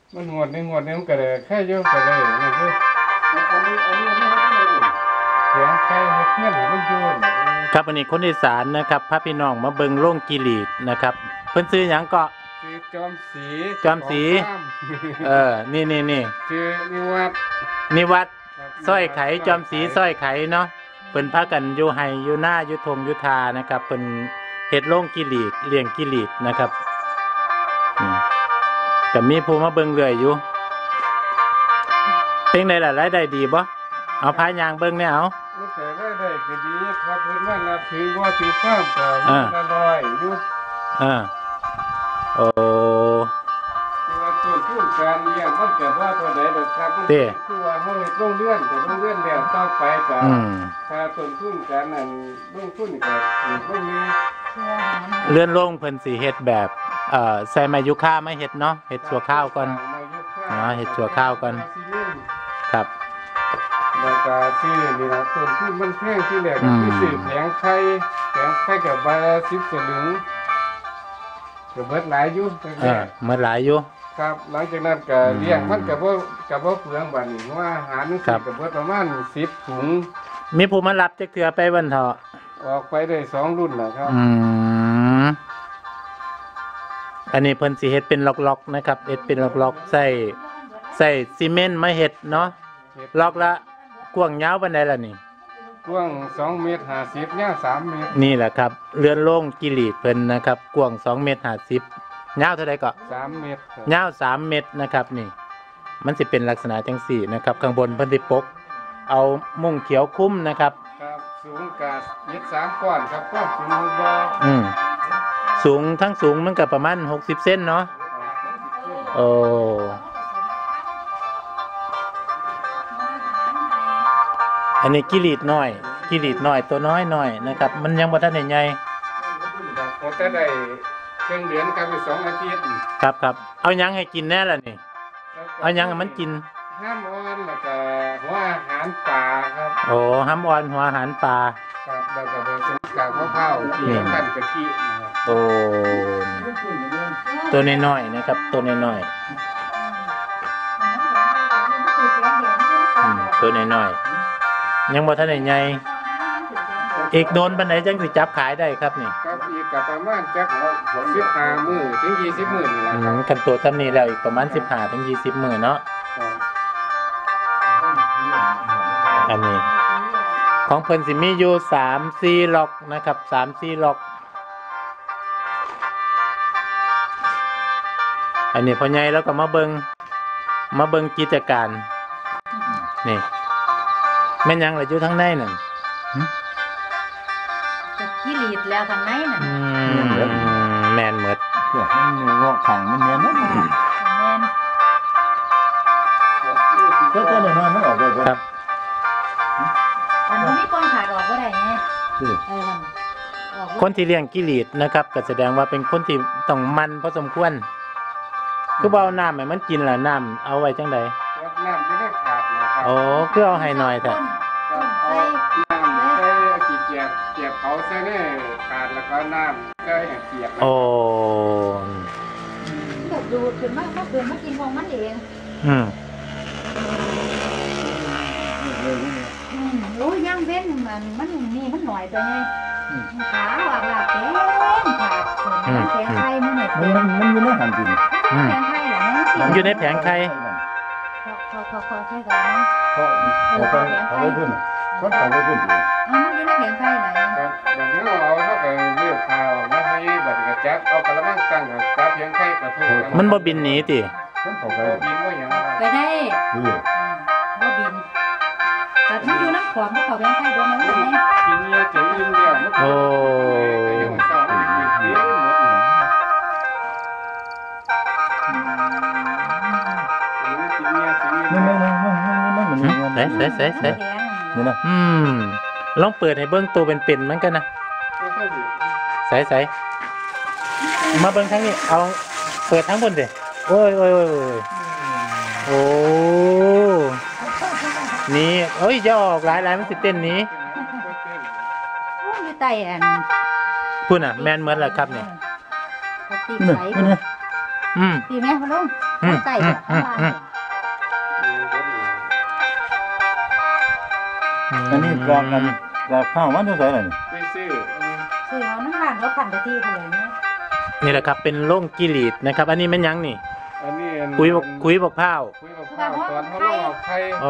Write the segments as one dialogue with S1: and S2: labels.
S1: มันงวดมันก็เลยแค่เยอะก็เลยนี่คือเสียงใครเพื่อนมันโยน
S2: ครับวันนี้คนอีสานนะครับพาพี่น้องมาเบิ่งโรงกิรีดนะครับเพิ่นซื้อหยังก็
S1: ชื่อจอม
S2: สีนี่
S1: ชื่อ
S2: นิวัดสร้อยไขจอมสีสร้อยไขเนาะเพิ่นพากันอยู่ไห้อยู่หน้าอยู่ทงอยู่ทานะครับเพิ่นเฮ็ดโรงกิรีดเลี้ยงกิรีดนะครับก็มีผู้มาเบิ่งเรื่อยอยู่เป็นไดล่ะรายได้ดีบ่เอาพายางเบิ่งแน่เอา
S1: แต่ได้ก็ดีครับเพิ่นมานับถือว่าถือฟ้ามก็อร่อยอยู่
S2: โอ้
S1: ว่าต้นทุนการเลี้ยงมันก็ว่าตัวใดดอกครับคือว่าเฮาเฮ็ดโรงเรือนแต่โรงเรือนแล้วต่อไปก็ค่าต้นทุนการนั้นลงทุนก็บ่มี
S2: เลื่อนโรงเพิ่นสิเฮ็ดแบบใส่ไม้ยูคามาเฮ็ดเนาะเฮ็ดชั่วข้าวก่อนเฮ็ดชั่วข้าวก่อนครับ
S1: แล้วก็ซื้อนี่ล่ะต้นทุนมันแพงที่แรกก็คือซื้อแผงไข่ก็ใบละ10 สลึงก็เบิดหลายอยู่
S2: เบิดหลายอยู่
S1: ครับหลังจากนั้นก็เลี้ยงมันก็บ่เปลืองบัดนี้ว่าอาหารนี่ก็เบิดประมาณ10 ถุง
S2: มีผู้มารับจักเทื่อไปวันเถาะ
S1: ออกไปได้2 รุ่นนะครับ
S2: อันนี้เพิ่นสิเฮ็ดเป็นล็อกๆนะครับเฮ็ดเป็นล็อกๆใส่ซีเมนต์มาเฮ็ดเนาะล็อกละกว้างยาวปานใดล่ะนี่
S1: กว้าง2.50 เมตรยาว3 เมตร
S2: นี่แหละครับเรือนโล่งกิรีดเพิ่นนะครับกว้าง2.50 เมตรยาวเท่าใดก็
S1: 3 เมตร
S2: ยาว3 เมตรนะครับนี่มันสิเป็นลักษณะจังซี่นะครับข้างบนเพิ่นสิปกเอามุ้งเขียวคุ้มนะครับ
S1: ครับสูงกะยึด3ก้อนครับก้อนสูงบ่
S2: สูงทั้งสูงมันก็ประมาณ60 เซนเนาะโอ้อันนี้กิรีดน้อยตัวน้อยนะครับมันยังบ่ทันได้ใหญ่
S1: พอแต่ได้ครึ่งเดือนครับอีก2 อาทิตย์
S2: ครับเอาหยังให้กินแน่ล่ะนี่เอาหยังให้มันกิน
S1: ห้ามอ่อนแล้วก็หัวอาหารปลาครับ
S2: โอ้ห้ามอ่อนหัวอาหารปลา
S1: ครับแล้วก็ผสมกับมะพร้าวที่กันกะทิ
S2: โอ้ตัวน้อยๆนะครับตัวน้อยตัวน้อยยังบ่ทันได้ใหญ่อีกโดนปานใดจังสิจับขายได้ครับนี่
S1: ครับอีกก็ประมาณจัก15 มื้อถึง20 มื้อนี่แหละครับ
S2: คันตัวซ้ำนี้แล้วอีกประมาณ15 ถึง 20 มื้อเนาะอันนี้ของเพิ่นสิมีอยู่3-4 ล็อกนะครับ3-4 ล็อกอันนี้พ่อใหญ่แล้วก็มาเบิ่งกิจการนี่แม่นยังล่ะอยู่ทางในนั่น
S3: จะกิรีดแล้วทางในนั่น
S2: แม่นหมด
S1: มันงอกขังมันแม่นก็ได้น้อยมันออกได้
S2: ครับ
S3: มันมีปองขาดออกบ่ได้ไง
S2: คนที่เลี้ยงกิรีดนะครับก็แสดงว่าเป็นคนที่ต้องมันพอสมควรคือบ่เอาน้ำให้มันกินล่ะน้ำเอาไว้จังได๋
S1: น้ำจะได้ขาดนะครับ
S2: โอ้คือเอาให้หน่อยแท้
S1: เอาน้ำใส่ขี้เกียจเขาใส่ในขาดแล้วก็น้ำใส่ให้เปียก
S2: โอ้
S3: แบบดูดขึ้นมากินของมันเองโอ้ยย่างเว้นมันนี่มันหน่อยไปไงขาว่าลาเต็มขาแผงไข่มันเนี่ย
S1: มันอยู่ในหันกิน
S3: แผงไข่เหรอเนี่ย
S2: อยู่ในแผงไข่
S3: พอใช่ก่อนนะ
S1: เอาไปพุ่นก็เอาไปพุ่น
S3: มันอยู่ในแผงไข่ไหน
S1: ครับแบบนี้เอาเท่ากับเรียกข่าวมาให้บัตรกระจับเอากระมังตั้งกับแผงไข่กระทุก
S2: มันบ่บินหนีติ
S1: บินว่าอย่าง
S3: ไปได้บ่บินแต่มันอยู่น้ำขวบมันเขาแผงไข่ด้วยนะ
S1: ทีนี้จะยืนเดียว
S2: โอ้ใส่นี่นะลองเปิดให้เบิ้งตัวเป็นๆมันกันนะใส่มาเบิ้งทั้งนี้เอาเปิดทั้งบนสิโอ้ยโอ้นี่โอ้ยจะออกหลายมันสิเต้นนี้
S3: อยู่ใต้
S2: พูดน่ะแมนเหมือนแหละครับเนี่ย
S3: ตีไหลตีแม่พะลุงใกล้แบบข้างล่าง
S4: อันนี้กลางกันกลางข้าวมันเท่าไหร่ล่ะนี่
S1: ไปซื้อ
S3: คือเอาน้ำร้านเขาขันไปที่เขาเลยเนี่ย
S2: นี่แหละครับเป็นโล่งกิรีดนะครับ อันนี้มันยังนี่
S1: อันนี้
S2: คุยบอกพร้าว
S1: คุยกับข้าวตอนเขาลอกไข่
S2: โอ้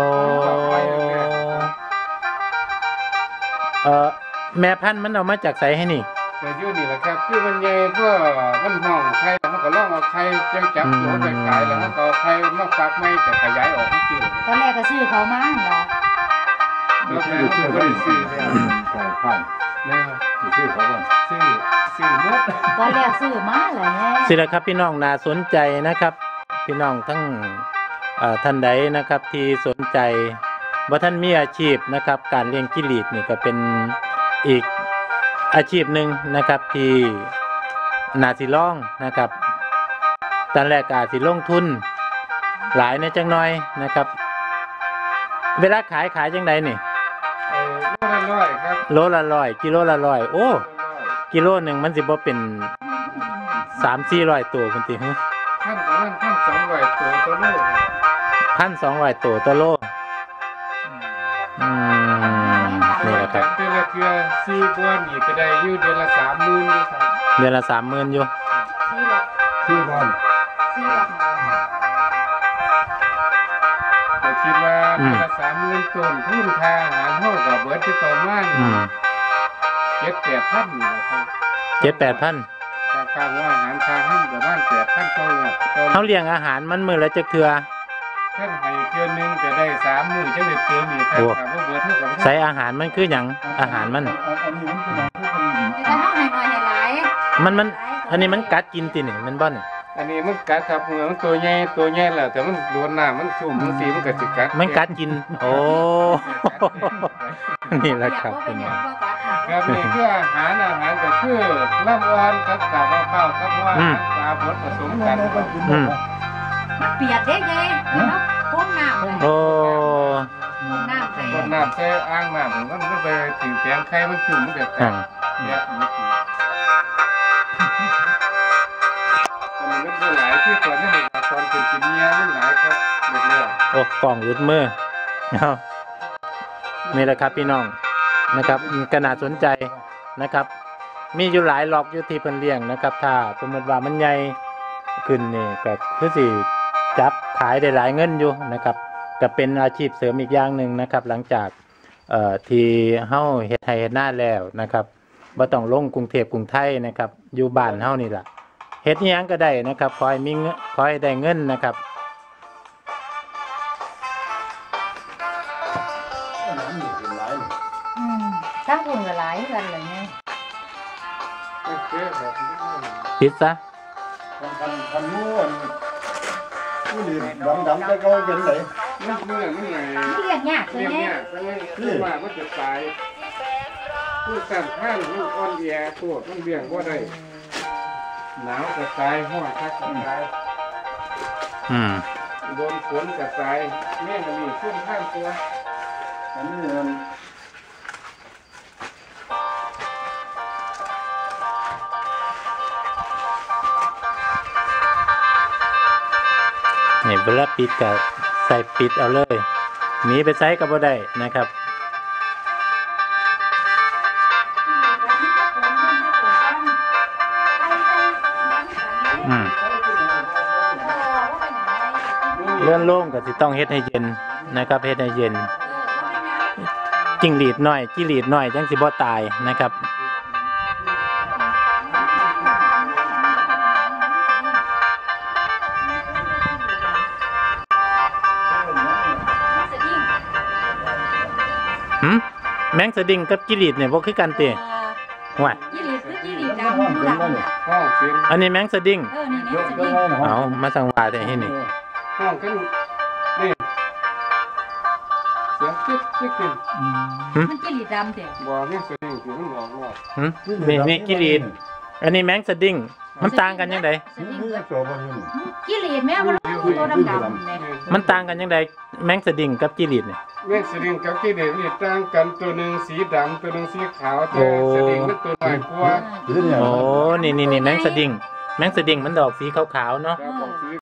S2: แม่พันธุ์มันเอามาจากไสให้นี่
S1: แต่อยู่นี่แหละครับคือมันใหญ่เพื่อมันห้องไข่เขาก็ลอกเอาไข่จับตัวไปขายแล้วเขาก็เอาไข่มาฟักไม่แต่ขยายออกทั้งสิ้น
S3: ตอนแรกก็ซื้อเขามาเหรอ
S1: แล้วแม่เขาก็ได้ซื้อแล้ว
S4: กลางข้าว
S1: นะครับ
S4: ชื่อเขาว่า
S1: ซื้อหมด
S3: ตอนแรกซื้อมาเหรอเนี่ย
S2: สิละครับพี่น้องน่าสนใจนะครับ พี่น้องทั้งท่านใดนะครับที่สนใจว่าท่านมีอาชีพนะครับการเลี้ยงจิ้งหรีดนี่ก็เป็นอีกอาชีพหนึ่งนะครับที่น่าสิลองนะครับตอนแรกก็อาจสิลงทุนหลายในจังน้อยนะครับ เวลาขายจังใดนี่
S1: โลละร้อยครับ
S2: โลละ100กิโลละ100โอ้กิโลหนึ่งมันสิบ่เป็น300-400ตัวคุณติฮะ
S1: ท่านประมาณ1,200ตัวโลครับ
S2: 1,200ตัวต่อโลนี่แหละครับ
S1: เดือนละเทื่อ4กว่านี่ก็ได้อยู่เดือนละ30,000นี่ครับ
S2: เดือนละ30,000อยู่
S3: ซื้อหรอก
S4: ชื่อบ้าน
S3: ซื้อหรอก
S1: ก็คิดว่าเดือนละ30,000ต้นทุนค่าอาหารเฮาก็เบิดที่ประมาณ 7-8,000นี่แหละครับ
S2: 7-8,000
S1: ค่าว่าอาหารค่าห้ามประมาณ8,000ต่อเดือน
S2: เขาเลี้ยงอาหารมันมื้อละจักเทื่อ
S1: ท่านให้เทื่อนึงจะได้3มื้อจังได้เติมอีกครับถามว่าเบิดเท่ากับ
S2: ใส่อาหารมันคือหยังอาหารมัน
S4: อันนี้มันเป็นอะไรที่เป็น
S3: แต่ถ้าให้หน่อยให้หลาย
S2: มันอันนี้มันกัดกินตินี่มันบ่นี่
S1: อันนี้มันกัดครับเหมือนมันตัวใหญ่แล้วแต่มันโดนน้ำมันชุ่มบางทีมันก็สิกัด
S2: มันกัดกิน โอ้นี่แหละครับ
S3: เป็
S2: พี่
S3: น
S2: น้อง
S1: ครับนี่คืออาหารก็คือลำอ่อนกับกาบข้าวกับว่าปลาบดผสมกัน
S3: มันเปียกเด้ยายเนาะพ่นน้ำเลย
S2: โอ้
S3: พ่นน้ำไป
S1: คนน้ำใส่อ่างน้ำมันไปถึงแปลงไข่มันชุ่มมันก็แต
S2: อ่าก
S1: เนี่ยมันก็หลายที่ตอนนี้ตอนเป็นกินเนี้ยมันหลายครับหมดเลย
S2: โอ้กล่องรุดมือเอานี่แหละครับพี่น้องนะครับก็น่าสนใจนะครับ มีอยู่หลายล็อกอยู่ที่เพิ่นเลี้ยงนะครับ ถ้าสมมติว่ามันใหญ่ขึ้นนี่ก็คือสิจับขายได้หลายเงินอยู่นะครับก็เป็นอาชีพเสริมอีกอย่างหนึ่งนะครับ หลังจากที่เฮาเฮ็ดไร่เฮ็ดนาแล้วนะครับบ่ต้องลงกรุงเทพกรุงไทยนะครับอยู่บ้านเฮานี่ล่ะเฮ็ดอิหยังก็ได้นะครับขอให้มีเงินขอให้ได้เงินนะครับ
S3: ถ้าคุณก็หลายกันเลยเนี่ย
S1: โอเคครับ
S2: ปิดซะ
S4: คันนู้นผู้หญิงดำๆแต่ก็เป็นไหน
S1: มันเมื่อยมันไง
S3: นี่เรียกยากเลย
S1: เรียก
S3: เนี่
S1: เนี่ย ยว่ามันจะตายผู้สั่นข้างมันอ่อนแอตัวมันเบี่ยงว่าได้หนาวก็ตายห้อนคักก็ตาย โดนฝนก็ตายแม่มันมีขึ้นข้างตัว
S4: อันนี้มัน
S2: นี่เวลาปิดก็ใส่ปิดเอาเลยหนีไปใส่ก็บ่ได้นะครับ เลื่อนโล่งก็สิต้องเฮ็ดให้เย็นนะครับเฮ็ดให้เย็นจิ้งหรีดน้อยจิ้งหรีดน้อยจังสิบ่ตายนะครับแมงสดิ้งกับจิ้งหรีดเนี่ยบ่คือกันติว่า
S3: ยี่หลีคือยี่หลีดำดูดำ
S1: ห้องเสียง
S2: อันนี้แมงสดิ้ง
S3: นี่
S4: เย
S3: นี่
S4: อะ
S3: จะ
S4: ก็
S3: ยิ่ง
S4: ให้
S2: เอามาสั่งว่าแต่ให้นี่
S1: ห้องกันนี่เสียงจิ๊กจิ๊กจิ๊ก
S3: มันยี่หลีดำเด็ก
S1: บอกนี่เสียงคือมันออกนอก
S2: นี่จิ้งหรีดอันนี้แมงสดิ้งมันต่างกันยังไง
S4: นี่จะตัวมันนี่
S3: ยี่หลีแม่มันตัวดำเนี่ย
S2: มันต่างกันยังไงแมงสดิ้งกับจิ้งหรีดเนี่ย
S1: แม่งสลิงกับที่เด็กนี่ต่างกันตัวหนึ่งสีดำตัวหนึ่งสีขาวแต่สลิงมันตัวใหญ่กว่า
S4: หรือเนี่ย
S2: โอ้นี่แมงสดิ้งมันดอกสีขาวๆเนาะ
S1: ครับผม